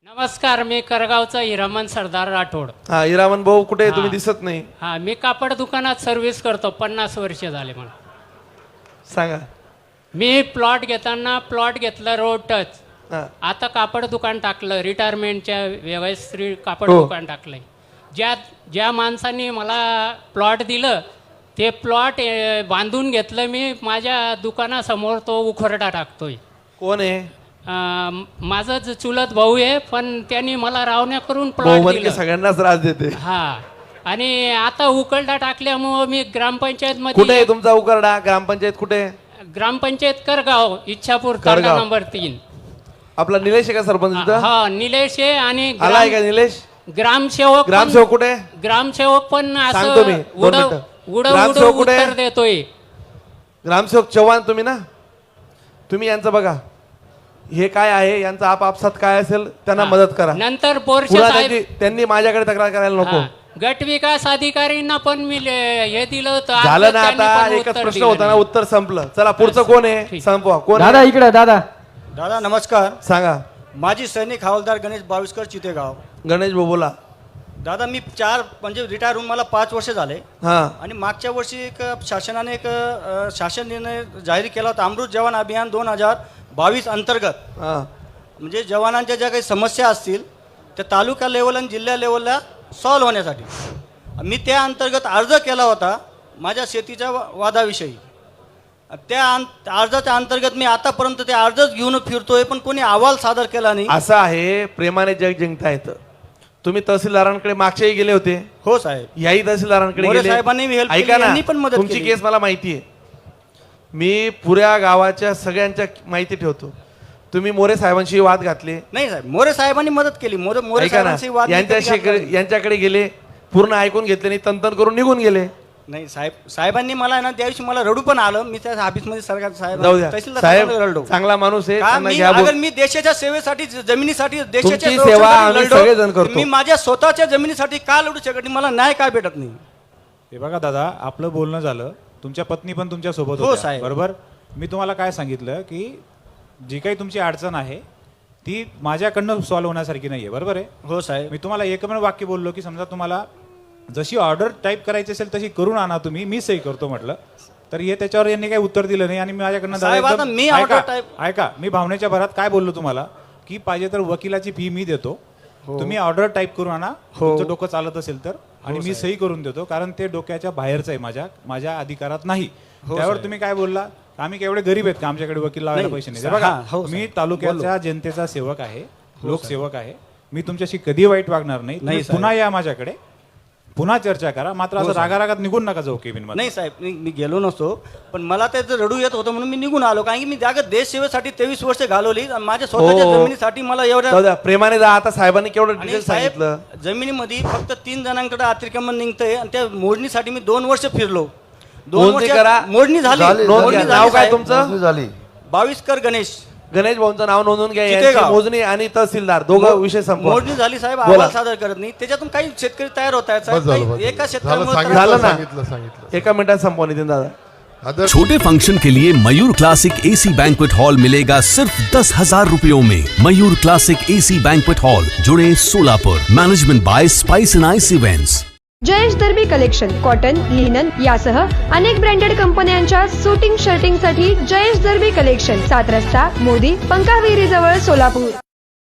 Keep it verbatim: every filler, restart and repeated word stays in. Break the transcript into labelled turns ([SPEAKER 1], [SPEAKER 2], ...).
[SPEAKER 1] नमस्कार, मी करगावचा हिरामन सरदार राठोड.
[SPEAKER 2] हा हिरामन भाऊ कुठे तुम्ही दिसत नाही.
[SPEAKER 1] हा, मी कापड दुकानात सर्व्हिस करतो. पन्नास वर्ष झाले मला.
[SPEAKER 2] सांगा.
[SPEAKER 1] मी प्लॉट घेताना प्लॉट घेतला रोड टच.
[SPEAKER 2] हा.
[SPEAKER 1] आता कापड दुकान टाकलं. रिटायरमेंटच्या व्यवस्थित कापड
[SPEAKER 2] हो.
[SPEAKER 1] दुकान टाकलंय. ज्या ज्या माणसांनी मला प्लॉट दिलं ते प्लॉट बांधून घेतलं मी. माझ्या दुकानासमोर तो उखरडा टाकतोय.
[SPEAKER 2] कोण आहे?
[SPEAKER 1] अं, माझा ज- चुलत भाऊ आहे, पण त्यांनी मला रावण्या करून
[SPEAKER 2] भाऊ
[SPEAKER 1] प्लॉट
[SPEAKER 2] म्हणजे
[SPEAKER 1] दिलं.
[SPEAKER 2] सगळ्यांनाच त्रास देते.
[SPEAKER 1] हा, आणि आता उकलडा टाकल्यामुळं मी ग्रामपंचायत
[SPEAKER 2] कुठे आहे
[SPEAKER 1] मध्ये
[SPEAKER 2] तुमचा उकरडा? ग्रामपंचायत कुठे आहे?
[SPEAKER 1] ग्रामपंचायत करगाव, इच्छापूर, तांडा
[SPEAKER 2] करगाव.
[SPEAKER 1] नंबर तीन.
[SPEAKER 2] आपला निलेश आहे का सरपंच तिथं?
[SPEAKER 1] हा, निलेश आहे. आणि
[SPEAKER 2] आला आहे
[SPEAKER 1] ग्राम-
[SPEAKER 2] का निलेश?
[SPEAKER 1] ग्रामसेवक पण-
[SPEAKER 2] ग्रामसेवक कुठे आहे?
[SPEAKER 1] ग्रामसेवक पण
[SPEAKER 2] सांगतो
[SPEAKER 1] असं
[SPEAKER 2] मी, दोन
[SPEAKER 1] उडव
[SPEAKER 2] मिनिटं.
[SPEAKER 1] उडव
[SPEAKER 2] ग्रामसेवक
[SPEAKER 1] उडव
[SPEAKER 2] कुठे आहे?
[SPEAKER 1] उत्तर देतोय.
[SPEAKER 2] ग्रामसेवक चव्हाण तुम्ही ना? तुम्ही यांचं बघा, हे काय आहे, यांचा आपापसात काय असेल त्यांना
[SPEAKER 1] हा.
[SPEAKER 2] मदत करा.
[SPEAKER 1] नंतर बोरशे
[SPEAKER 2] पुन्हा
[SPEAKER 1] साहेब
[SPEAKER 2] त्यांची- त्यांनी माझ्याकडे तक्रार करायला नको.
[SPEAKER 1] हा, गट विकास अधिकारींना पण मी ले- हे दिलं होतं.
[SPEAKER 2] झालं ना,
[SPEAKER 1] त्यांनी
[SPEAKER 2] आता
[SPEAKER 1] पण
[SPEAKER 2] एकच
[SPEAKER 1] उत्तर
[SPEAKER 2] प्रश्न
[SPEAKER 1] दिलं
[SPEAKER 2] होता ना,
[SPEAKER 1] नाही.
[SPEAKER 2] उत्तर संपलं. चला पुढचं कोण आहे?
[SPEAKER 1] ठीक.
[SPEAKER 2] संपवा. कोण
[SPEAKER 3] दादा
[SPEAKER 2] आहे?
[SPEAKER 3] इकडे दादा.
[SPEAKER 4] दादा नमस्कार.
[SPEAKER 2] सांगा.
[SPEAKER 4] माजी सैनिक हवालदार गणेश बाविस्कर चितेगाव.
[SPEAKER 2] गणेश भाऊ बोला.
[SPEAKER 4] दादा मी चार म्हणजे रिटायर होऊन मला पाच वर्ष झाले.
[SPEAKER 2] हा.
[SPEAKER 4] आणि मागच्या वर्षी एक शासनाने एक अ, शासन निर्णय जाहीर केला होता, अमृत जवान अभियान दोन हजार बावीस अंतर्गत.
[SPEAKER 2] हा.
[SPEAKER 4] म्हणजे जवानांच्या ज्या काही समस्या असतील त्या तालुका लेवल आणि जिल्हा लेवलला सॉल्व्ह होण्यासाठी मी त्या अंतर्गत अर्ज केला होता माझ्या शेतीच्या वा- वादाविषयी. त्या अं- अर्जाच्या अंतर्गत मी आतापर्यंत ते अर्जच घेऊन फिरतोय, पण कोणी अहवाल सादर केला नाही.
[SPEAKER 2] असं आहे, प्रेमाने जग जिंकता येतं. तुम्ही तहसीलदारांकडे मागच्याही गेले होते.
[SPEAKER 4] हो साहेब.
[SPEAKER 2] याही तहसीलदारांकडे
[SPEAKER 4] मोरे
[SPEAKER 2] गेले.
[SPEAKER 4] साहेबांनी help केली,
[SPEAKER 2] ऐका ना,
[SPEAKER 4] यांनी पण मदत
[SPEAKER 2] तुमची
[SPEAKER 4] केली.
[SPEAKER 2] केस मला माहिती आहे. मी पुऱ्या गावाच्या सगळ्यांच्या माहिती ठेवतो. तुम्ही मोरे साहेबांशी वाद घातले.
[SPEAKER 4] नाही साहेब, मोरे साहेबांनी मदत केली. मोरे मोरे
[SPEAKER 2] ऐका ना,
[SPEAKER 4] साहेबांशी वाद मी कधी घातला
[SPEAKER 2] यांच्याशी
[SPEAKER 4] नाही.
[SPEAKER 2] यांच्याकडे गेले, पूर्ण ऐकून घेतले नाही, तंतन करून निघून गेले.
[SPEAKER 4] नाही साहेब, साहेबांनी मला ना त्या दिवशी मला रडू पण आलं. मी त्या ऑफिसमध्ये सरकार साहेब
[SPEAKER 2] जाऊ द्या.
[SPEAKER 4] तहसीलदार
[SPEAKER 2] साहेब
[SPEAKER 4] साहेबांना रडलो.
[SPEAKER 2] चांगला माणूस आहे,
[SPEAKER 4] का
[SPEAKER 2] त्यांना
[SPEAKER 4] मी
[SPEAKER 2] घ्या बोल.
[SPEAKER 4] अगर मी देशाच्या सेवेसाठी ज- जमिनीसाठी देशाच्या
[SPEAKER 2] तुमची
[SPEAKER 4] संरक्षणासाठी
[SPEAKER 2] सेवा आम्ही
[SPEAKER 4] लढलो,
[SPEAKER 2] सगळेजण करतो.
[SPEAKER 4] मी माझ्या स्वतःच्या जमिनीसाठी का लढू शकत नाही? मला न्याय का भेटत नाही?
[SPEAKER 5] हे बघा दादा, आपलं बोलणं झालं. तुमच्या पत्नी पण तुमच्या सोबत
[SPEAKER 4] हो,
[SPEAKER 5] होत्या,
[SPEAKER 4] साहेब.
[SPEAKER 5] बरोबर. मी तुम्हाला काय सांगितलं की जी काही तुमची अडचण आहे ती माझ्याकडनं सॉल्व्ह होण्यासारखी नाहीये, बरोबर आहे.
[SPEAKER 4] हो साहेब.
[SPEAKER 5] मी तुम्हाला एकमेव वाक्य बोललो की समजा तुम्हाला जशी ऑर्डर टाईप करायची असेल तशी करून आणा तुम्ही, मी सही करतो म्हटलं. तर हे त्याच्यावर यांनी काही उत्तर दिलं नाही आणि माझ्याकडनं दादा
[SPEAKER 4] साहेब,
[SPEAKER 5] एकदम-
[SPEAKER 4] आता मी
[SPEAKER 5] ऐका,
[SPEAKER 4] order type-
[SPEAKER 5] ऐका, मी भावनेच्या भरात काय बोललो तुम्हाला की पाहिजे तर वकिलाची फी मी देतो, तुम्ही ऑर्डर टाईप करून आणा, तुमचं डोकं चालत असेल तर, आणि मी सही करून देतो, कारण ते डोक्याच्या बाहेरचं आहे, माझ्या माझ्या अधिकारात नाही. त्यावर तुम्ही काय बोलला? आम्ही केवढे गरीब आहेत का आमच्याकडे वकील लावायला
[SPEAKER 4] नाही,
[SPEAKER 5] पैसे नाही?
[SPEAKER 4] हा,
[SPEAKER 5] बघा,
[SPEAKER 4] हो,
[SPEAKER 5] मी
[SPEAKER 4] साहेब.
[SPEAKER 5] तालुक्याच्या जनतेचा सेवक आहे, लोकसेवक आहे. मी तुमच्याशी कधी वाईट वागणार नाही. तुम्ही
[SPEAKER 4] नाही, साहेब.
[SPEAKER 5] पुन्हा या माझ्याकडे, पुन्हा चर्चा करा, मात्र असं रागारागात निघून नका जाऊ केबिन मध्ये.
[SPEAKER 4] नाही साहेब, मी मी गेलो नसतो, पण मला ते रडू येत होतं म्हणून मी निघून आलो. कारण की मी जागा देश सेवेसाठी तेवीस वर्ष घालवली आणि माझ्या स्वतःच्या
[SPEAKER 2] हो.
[SPEAKER 4] जमिनीसाठी मला एवढ्या
[SPEAKER 2] जाऊ द्या, प्रेमाने जा. आता साहेबांनी केवढं
[SPEAKER 4] आणि
[SPEAKER 2] डिटेल
[SPEAKER 4] साहेब,
[SPEAKER 2] सांगितलं.
[SPEAKER 4] जमिनीमध्ये फक्त तीन जणांकडे अतिक्रमण निघतंय आणि त्या मोडणीसाठी मी दोन वर्ष फिरलो. दोन
[SPEAKER 2] मोजणी
[SPEAKER 4] वर्ष
[SPEAKER 2] करा.
[SPEAKER 4] मोडणी झाली.
[SPEAKER 2] झाली,
[SPEAKER 4] मोडणी
[SPEAKER 2] झाली.
[SPEAKER 4] झाली,
[SPEAKER 2] नाव काय
[SPEAKER 4] साहेब.
[SPEAKER 2] तुमचं?
[SPEAKER 3] झाली.
[SPEAKER 4] बाविस्कर गणेश.
[SPEAKER 2] गणेश भाऊंचं नाव नोंदवून घ्या. यांची
[SPEAKER 4] चितेगाव.
[SPEAKER 2] मोजणी आणि तहसीलदार दोघं विषय संपवा.
[SPEAKER 4] मोडणी झाली साहेब,
[SPEAKER 2] बोला.
[SPEAKER 4] अहवाल सादर करत नाही. त्याच्यातून काही शेतकरी तयार होत आहेत साहेब.
[SPEAKER 6] बस झालं,
[SPEAKER 4] काही-
[SPEAKER 6] बस
[SPEAKER 4] एका
[SPEAKER 6] झालं.
[SPEAKER 4] शेतकऱ्यामुळे
[SPEAKER 6] झालं,
[SPEAKER 4] त्रास-
[SPEAKER 2] झालं ना?
[SPEAKER 6] सांगितलं सांगितलं
[SPEAKER 2] एका मिनिटात संपवा नितीन दादा.
[SPEAKER 6] अदर
[SPEAKER 7] छोटे फंक्शन के लिए Mayur classic AC banquet hall मिलेगा सिर्फ दस हजार रुपयों में। Mayur classic AC banquet hall, जुड़े Solapur. Management by spice and ice events.
[SPEAKER 8] Jayesh दर्बी कलेक्शन, कॉटन, लिनन यासह अनेक ब्रँडेड कंपन्यांच्या सुटिंग शर्टिंग साठी जयेश दर्बी कलेक्शन, सात रस्ता मोदी पंकाविहिरी जवळ सोलापूर।